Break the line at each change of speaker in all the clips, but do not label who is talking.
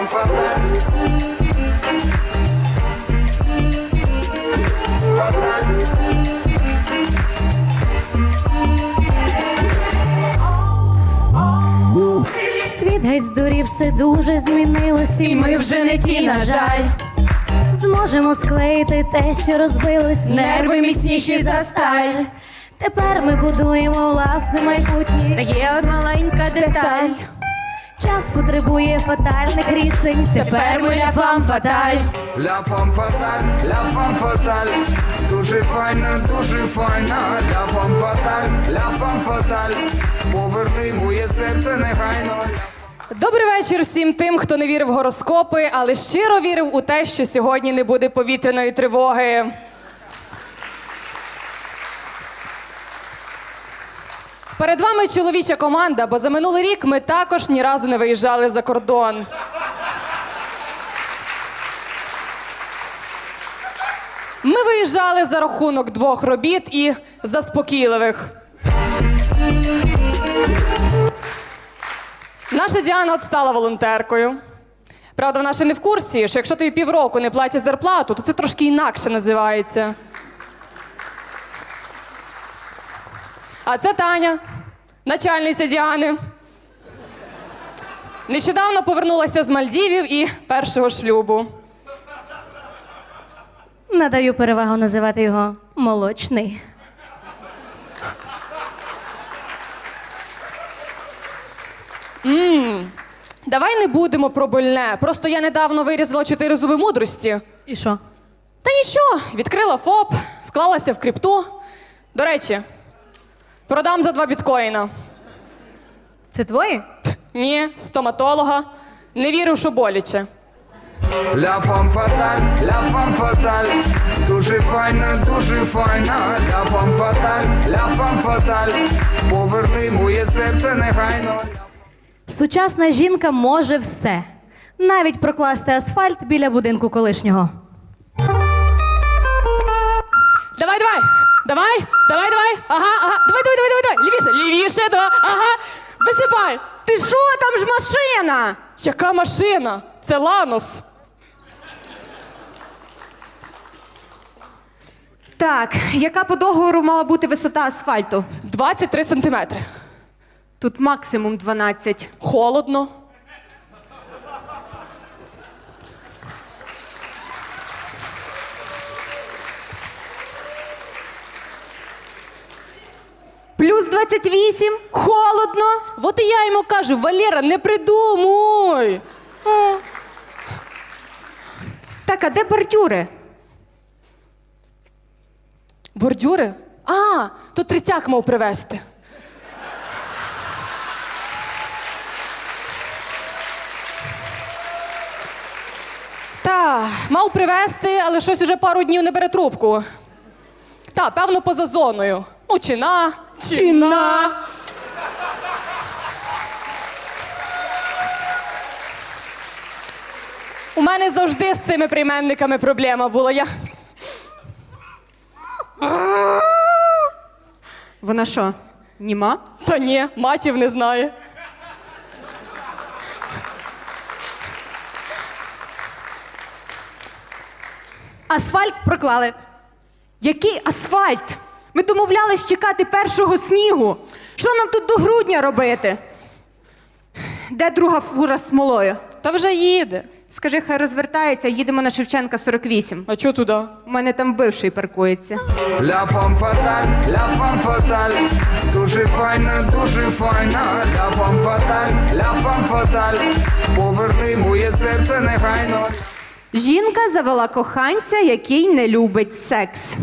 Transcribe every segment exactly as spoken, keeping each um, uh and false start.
femme fatale. Fatale.
Світ геть здурів, все дуже змінилось, і ми вже не ті, на жаль. Зможемо склеїти те, що розбилось, нерви міцніші за сталь. Тепер ми будуємо власне майбутнє, та є одна маленька деталь. Час потребує фатальних рішень, тепер ми ля фам фаталь.
Ля фам фаталь, ля фам фаталь. Дуже файна, дуже файна. Ля фам фаталь, ля фам фаталь. Поверни моє серце негайно.
Добрий вечір всім тим, хто не вірив в гороскопи, але щиро вірив у те, що сьогодні не буде повітряної тривоги. Перед вами чоловіча команда, бо за минулий рік ми також ні разу не виїжджали за кордон. Ми виїжджали за рахунок двох робіт і заспокійливих. Наша Діана от стала волонтеркою. Правда, вона ще не в курсі, що якщо тобі півроку не платять зарплату, то це трошки інакше називається. А це Таня, начальниця Діани. Нещодавно повернулася з Мальдівів і першого шлюбу.
Надаю перевагу називати його молочний.
Ммм, давай не будемо про больне. Просто я недавно вирізала чотири зуби мудрості.
І що?
Та нічого, відкрила ФОП, вклалася в крипту. До речі, продам за два біткоїна.
Це твої?
Ні, стоматолога. Не вірив, що боляче.
Ля фам фаталь, ля фам фаталь. Дуже файна, дуже файна. Ля фам фаталь, ля фам фаталь. Поверни моє серце негайно.
Сучасна жінка може все. Навіть прокласти асфальт біля будинку колишнього.
Давай, давай, давай, давай, давай. Ага, ага, давай, давай, давай, давай, давай. Лівіше, лівіше, да. Ага, висипай.
Ти що, там ж машина?
Яка машина? Це Ланос.
Так, яка по договору мала бути висота асфальту?
двадцять три сантиметри.
Тут максимум дванадцять.
Холодно.
Плюс двадцять вісім, холодно.
От і я йому кажу, Валера, не придумуй.
О. Так, а де бордюри?
Бордюри? А, то третяк мав привезти. Та, мав привезти, але щось уже пару днів не бере трубку. Та, певно, поза зоною. Ну, чи на, чи,
Чи
на.
на.
У мене завжди з цими прийменниками проблема була. Я...
Вона що, німа?
Та ні, матів не знає.
Асфальт проклали.
Який асфальт? Ми домовлялись чекати першого снігу. Що нам тут до грудня робити? Де друга фура з смолою?
Та вже їде.
Скажи, хай розвертається, їдемо на Шевченка сорок вісім.
А чого туди?
У мене там бивший паркується.
Ля фам фаталь, ля фам фаталь. Дуже файна, дуже файна. Ля фам фаталь, ля фам фаталь. Поверни моє серце негайно.
Жінка завела коханця, який не любить секс.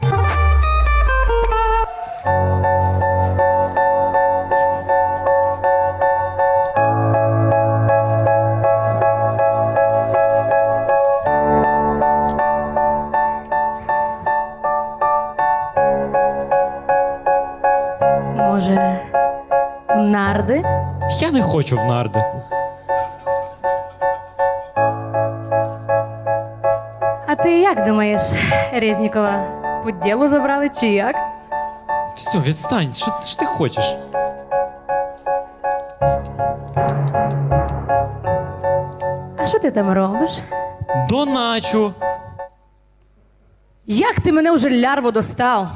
Може, у нарди?
Я не хочу в нарди.
А ти як думаєш, Резнікова, по ділу забрали чи як?
Все, відстань, що, що ти хочеш?
А що ти там робиш?
Доначу.
Як ти мене вже лярво достав?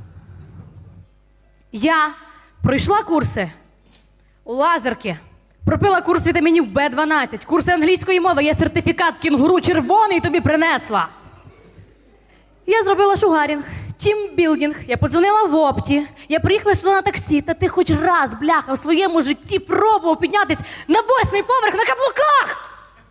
Я пройшла курси у лазерки, пропила курс вітамінів Б дванадцять, курси англійської мови, є сертифікат кінгуру червоний тобі принесла. Я зробила шугарінг, тімбілдинг, я подзвонила в опті, я приїхала сюди на таксі, та ти хоч раз, бляха, в своєму житті пробував піднятись на восьмий поверх на каблуках!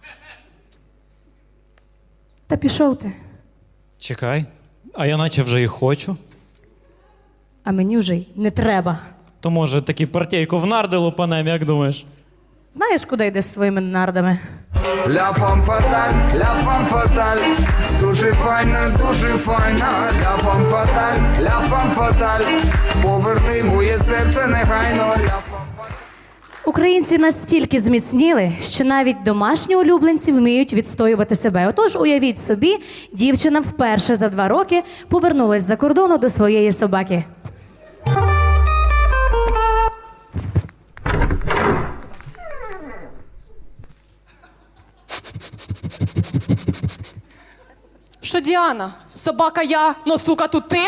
Та пішов ти,
Чекай, а я наче вже і хочу.
а мені вже й не треба.
То може таки партійку в нарди лупанем, як думаєш?
Знаєш, куди йдеш зі своїми нардами?
Ля фам фаталь, ля фам фаталь, дуже файна, дуже файна. Ля фам фаталь, ля фам фаталь, поверни моє серце негайно. Ля фам фаталь.
Українці настільки зміцніли, що навіть домашні улюбленці вміють відстоювати себе. Отож, уявіть собі, дівчина вперше за два роки повернулась з-за кордону до своєї собаки.
Що, Діана? Собака я, но сука тут ти?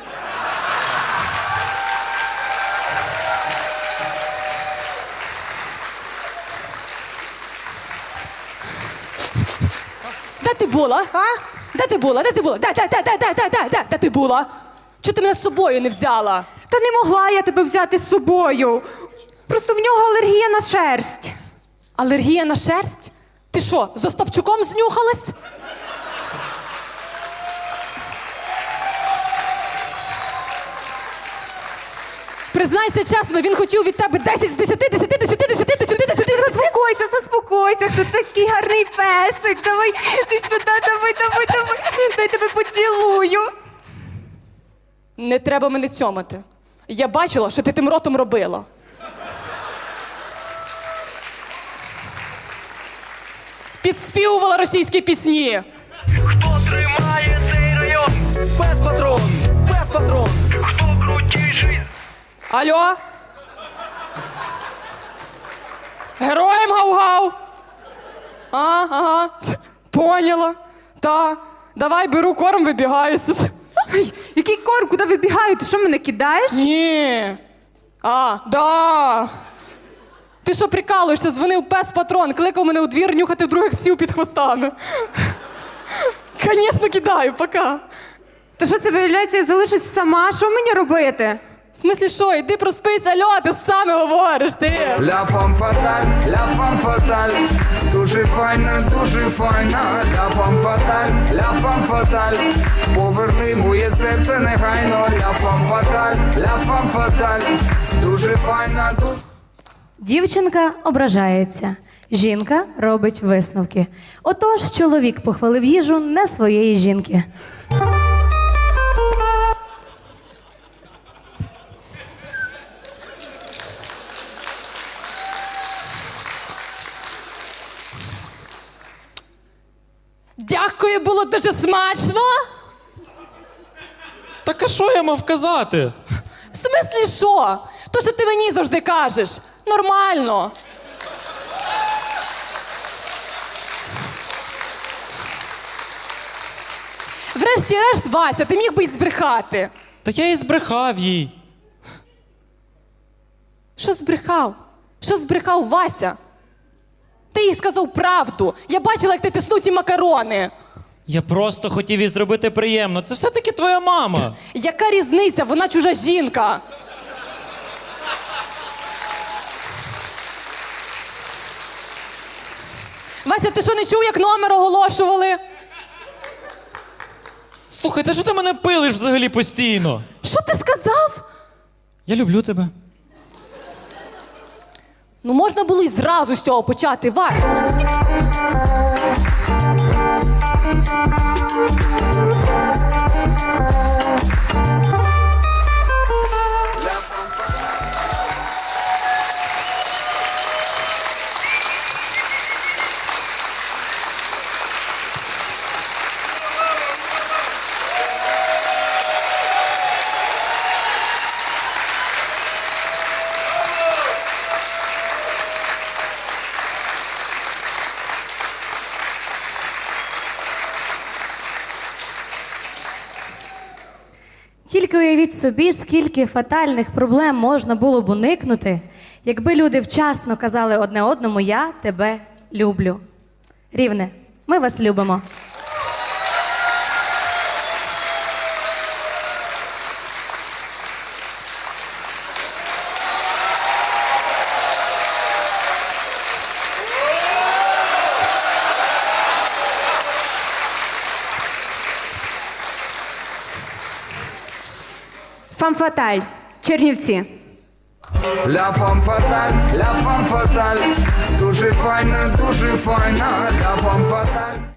Де ти була, а? Де ти була? Де ти була? Де, де, де, де, де, де, де, де, де ти була? Чого ти мене з собою не взяла?
Та не могла я тебе взяти з собою. Просто в нього алергія на шерсть.
Алергія на шерсть? Ти що, з Остапчуком знюхалась? Признайся чесно, він хотів від тебе десять з десяти, десять, десять, десять, десять, десять.
Заспокойся, заспокойся, хто такий гарний песик. Давай, ти сюди, давай, давай, давай. Дай тебе поцілую.
Не треба мене цьомати. Я бачила, що ти тим ротом робила. Підспівувала російські пісні.
Хто тримає цей район? Без патрон, без патрон. Хто крутіший?
Алло? Героям гав-гав. А, ага. Поняла. Та. Давай беру корм, вибігаю сюди.
Ай, який корм, куди вибігаю? Ти що, мене кидаєш?
Ні. А, да. Ти що прикалуєшся? Дзвонив пес-патрон, кликав мене у двір нюхати других псів під хвостами. Звісно, кидаю, пока.
Та що це, виявляється, я залишусь сама? Що мені робити?
В смислі що, іди проспись, алло, ти з псами говориш, ти.
Ля фам фаталь, ля фам фаталь, дуже файна, дуже файна. Ля фам фаталь, ля фам фаталь, поверни моє серце негайно. Ля фам фаталь, ля фам фаталь, дуже файна, дуже...
Дівчинка ображається. Жінка робить висновки. Отож, чоловік похвалив їжу не своєї жінки.
Дякую, було дуже смачно.
Так а що я мав казати?
В смислі що? То, що ти мені завжди кажеш. Нормально. Врешті-решт, Вася, ти міг би й збрехати.
Та я і збрехав їй.
Що збрехав? Що збрехав Вася? Ти їй сказав правду. Я бачила, як ти тиснув ті макарони.
Я просто хотів їй зробити приємно. Це все-таки твоя мама.
Яка різниця? Вона чужа жінка. Вася, ти що, не чув, як номер оголошували?
Слухай, та що ти мене пилиш взагалі постійно?
Що ти сказав?
Я люблю тебе.
Ну можна було і зразу з цього почати, Вася.
Тільки уявіть собі, скільки фатальних проблем можна було б уникнути, якби люди вчасно казали одне одному «я тебе люблю». Рівне, ми вас любимо.
Фамфаталь, Чернівці.
Ля фам фаталь, ля фам фаталь, дуже файна, дуже файна, ля фам фаталь.